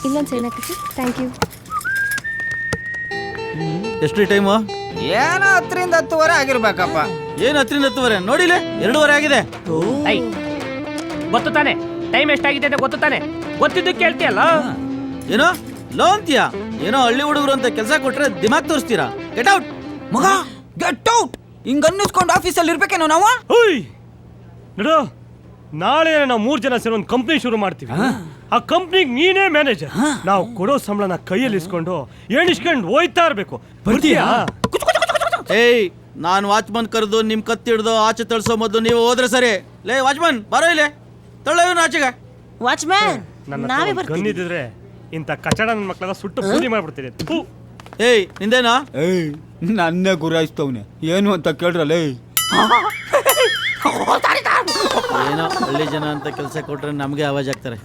ಇಲ್ಲೊಂದು ಸೈನ್ ಹಾಕಿಸಿ. Thank you. ಎಷ್ಟು ಟೈಮು? ಏನೋ 10ರಿಂದ 10:30 ಆಗಿರ್ಬೇಕಪ್ಪ. ಏನು 10ರಿಂದ 10:30? ನೋಡಿಲೆ 2:30 ಆಗಿದೆ. ಐ ಗೊತ್ತು ತಾನೆ ಟೈಮ್ ಎಷ್ಟಾಗಿದೆ ಅಂತ ಗೊತ್ತು ತಾನೆ? ಗೊತ್ತಿದ್ದು ಕೇಳ್ತೀಯಲ್ಲ. ಏನೋ ಲೋ ಅಂತೀಯಾ? ಏನೋ ಹಳ್ಳಿ ಹುಡುಗರು ಅಂತ ಕೆಲಸ ಕೊಟ್ರೆ ದಿಮಾಗ್ ತೋರಿಸ್ತೀರಾ? ಗೆಟ್ ಔಟ್ ಮಗ, ಗೆಟ್ ಔಟ್. ಹಿಂಗ ಅನ್ನಿಸ್ಕೊಂಡು ಆಫೀಸಲ್ಲಿ ಇರ್ಬೇಕೇನೋ ನಾವು. ನೋಡು, ನಾಳೆ ನಾವು 3 ಜನ ಸೇರಿ ಒಂದು ಕಂಪ್ನಿ ಶುರು ಮಾಡ್ತೀವಿ. ಆ ಕಂಪ್ನಿಗೆ ನೀನೇ ಮ್ಯಾನೇಜರ್. ನಾವು ಕೊಡೋ ಸಂಬಳನ ಕೈಯಲ್ಲಿ ಇಸ್ಕೊಂಡು ಎಣಿಸ್ಕೊಂಡು ಹೋಯ್ತಾ ಇರ್ಬೇಕು. ಬರ್ತೀಯಾ? ಏಯ್, ನಾನು ವಾಚ್ಮನ್ ಕರೆದು ನಿಮ್ ಕತ್ತಿಡ್ದು ಆಚೆ ತಳ್ಸೋ ಮೊದಲು ನೀವು ಹೋದ್ರೆ ಸರಿ. ಲೇ ವಾಚ್ಮನ್, ಬರೋ ಇಲ್ಲೇ, ತಳ್ಳೋನು ಆಚೆಗೆ. ವಾಚ್ಮ್ಯಾನ್, ನನ್ನ ನಾವೇ ಹತ್ರ ಬರ್ತೀವಿ. ಗನ್ನಿದ್ರೆ ಇಂಥ ಕಚಡ ನನ್ನ ಮಕ್ಕಳೆಲ್ಲ ಸುಟ್ಟು ಬೂದಿ ಮಾಡ್ಬಿಡ್ತೀನಿ. ಥು. ಏಯ್ ನಿಂದೇನಾ? ಏಯ್, ನನ್ನೇ ಗುರಾಯಿಸ್ತವ್ನೆ. ಏನು ಅಂತ ಕೇಳ್ರಲ್ಲ. ಏನೋ ಹಳ್ಳಿ ಜನ ಅಂತ ಕೆಲಸ ಕೊಟ್ರೆ ನಮಗೆ ಆವಾಜ್ ಆಗ್ತಾರೆ.